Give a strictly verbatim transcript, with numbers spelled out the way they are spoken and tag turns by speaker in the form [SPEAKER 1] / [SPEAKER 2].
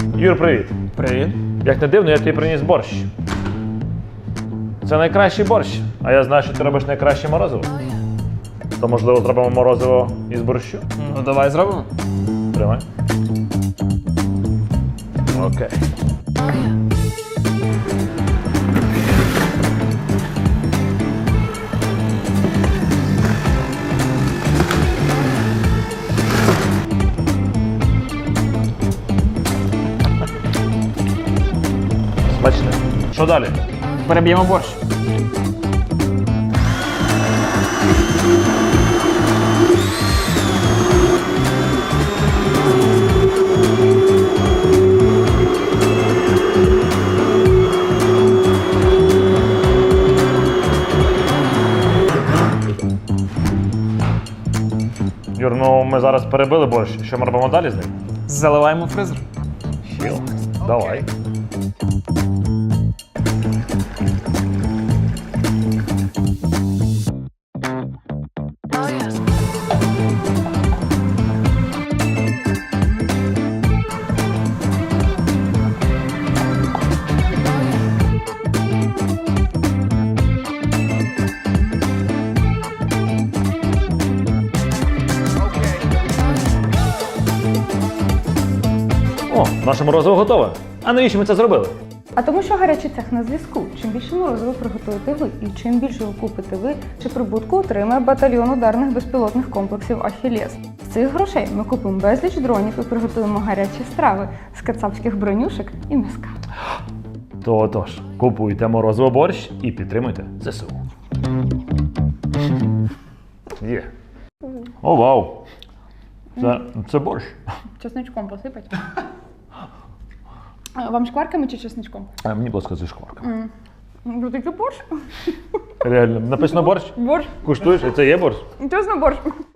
[SPEAKER 1] Юр, привіт.
[SPEAKER 2] Привіт.
[SPEAKER 1] Як не дивно, я тобі приніс борщ. Це найкращий борщ, а я знаю, що ти робиш найкраще морозиво. То, можливо, зробимо морозиво із борщу?
[SPEAKER 2] Ну давай зробимо.
[SPEAKER 1] Тримай. Окей. Смачне. Що далі?
[SPEAKER 2] Переб'ємо борщ.
[SPEAKER 1] Юр, ну ми зараз перебили борщ. Що ми робимо далі з ним?
[SPEAKER 2] Заливаємо в фризер.
[SPEAKER 1] Чіл. Давай. О, наше морозиво готове. А навіщо ми це зробили?
[SPEAKER 3] А тому що гарячий цех на зв'язку. Чим більше морозива приготуєте ви і чим більше ви купите ви, чи прибутку отримає батальйон ударних безпілотних комплексів «Ахіллес». З цих грошей ми купимо безліч дронів і приготуємо гарячі страви з кацапських бронюшек і м'яска.
[SPEAKER 1] То отож, купуйте морозиво борщ і підтримуйте ЗСУ. Є. О, вау! Це, це борщ.
[SPEAKER 3] Чесничком посипать. Вам шкварками чи чесничком?
[SPEAKER 1] А мені, будь ласка, зі шкварками.
[SPEAKER 3] Ну, такий борщ.
[SPEAKER 1] Реально, написано борщ?
[SPEAKER 3] Борщ.
[SPEAKER 1] Куштуєш? І це є борщ?
[SPEAKER 3] Чесно, борщ.